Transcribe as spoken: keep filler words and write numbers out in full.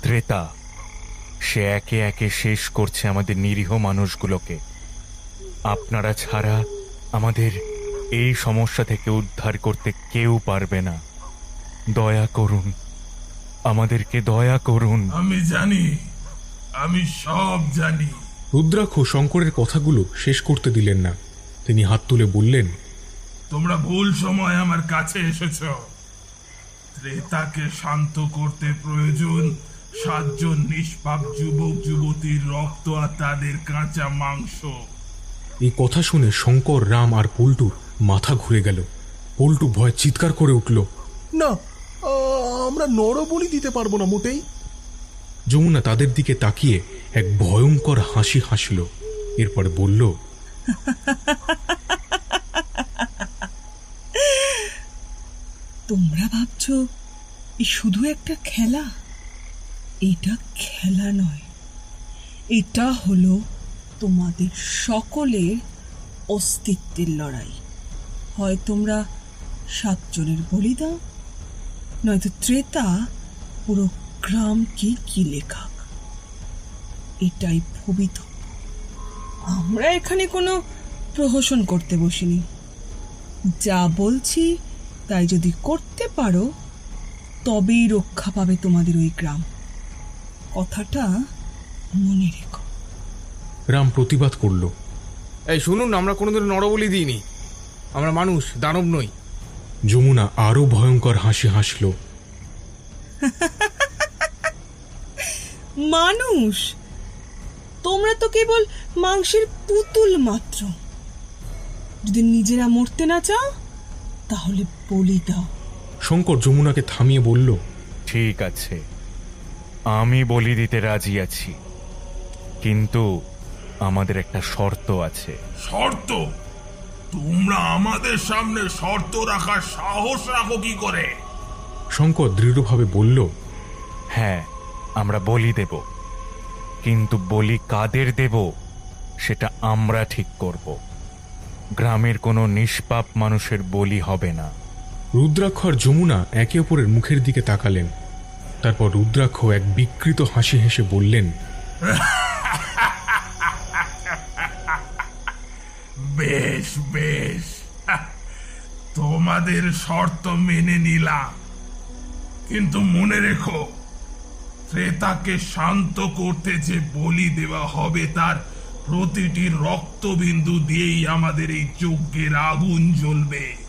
ত্রেতা, সে একে একে শেষ করছে আমাদের নিরীহ মানুষগুলোকে। আপনারা ছাড়া আমাদের এই সমস্যা থেকে উদ্ধার করতে কেউ পারবে না। দয়া করুন, আমাদেরকে দয়া করুন। আমি জানি, আমি সব জানি। রুদ্রাক্ষ শঙ্করের কথাগুলো শেষ করতে দিলেন না। তিনি হাত তুলে বললেন, তোমরা ভুল সময় আমার কাছে এসেছ। ত্রেতাকে শান্ত করতে প্রয়োজন সাতজন নিষ্পাপ যুবক যুবতীর রক্ত আর তাদের কাঁচা মাংস। এই কথা শুনে শঙ্কর, রাম আর পল্টুর মাথা ঘুরে গেল। পল্টু ভয় চিৎকার করে উঠল, না, আমরা নরবলি দিতে পারবো না মোটেই। যমুনা তাদের দিকে তাকিয়ে এক ভয়ঙ্কর হাসি হাসল। এরপর বলল, তোমরা ভাবছো এই শুধু একটা খেলা? এটা খেলা নয়, এটা হলো তোমাদের সকলের অস্তিত্বের লড়াই। হয় তোমরা সাতজনের বলি দাও, নয়তো ত্রেতা পুরো গ্রামকে গিলে খাক। এটাই ভবিতব্য। আমরা এখানে কোনো প্রহসন করতে বসিনি। যা বলছি তাই যদি করতে পারো তবেই রক্ষা পাবে তোমাদের ওই গ্রাম। কথাটা মনে রেখো। রাম প্রতিবাদ করল, এই শুনুন, আমরা কোনোদিন নরবলি দিইনি। আমরা মানুষ, দানব নই। যমুনা আরো ভয়ঙ্কর হাসি হাসল। মানুষ? তোমরা তো কেবল মাংসের পুতুল মাত্র। যদি নিজেরা মরতে না চাও তাহলে বলি দাও। শঙ্কর যমুনাকে থামিয়ে বলল, ঠিক আছে, আমি বলি দিতে রাজি আছি, কিন্তু আমাদের একটা শর্ত আছে। শর্ত? তোমরা আমাদের সামনে শর্ত রাখার সাহস রাখো কি করে? শঙ্কর দৃঢ়ভাবে বলল, হ্যাঁ, আমরা বলি দেব, কিন্তু বলি কাদের দেব সেটা আমরা ঠিক করব। গ্রামের কোনো নিষ্পাপ মানুষের বলি হবে না। রুদ্রাক্ষ আর যমুনা একে অপরের মুখের দিকে তাকালেন। তারপর রুদ্রাক্ষ এক বিকৃত হাসি হেসে বললেন, বেশ বেশ, তোমাদের শর্ত মেনে নিলাম, কিন্তু মনে রেখো, ত্রেতাকে শান্ত করতে যে বলি দেওয়া হবে তার প্রতিটি রক্তবিন্দু দিয়েই আমাদের এই যজ্ঞের আগুন জ্বলবে।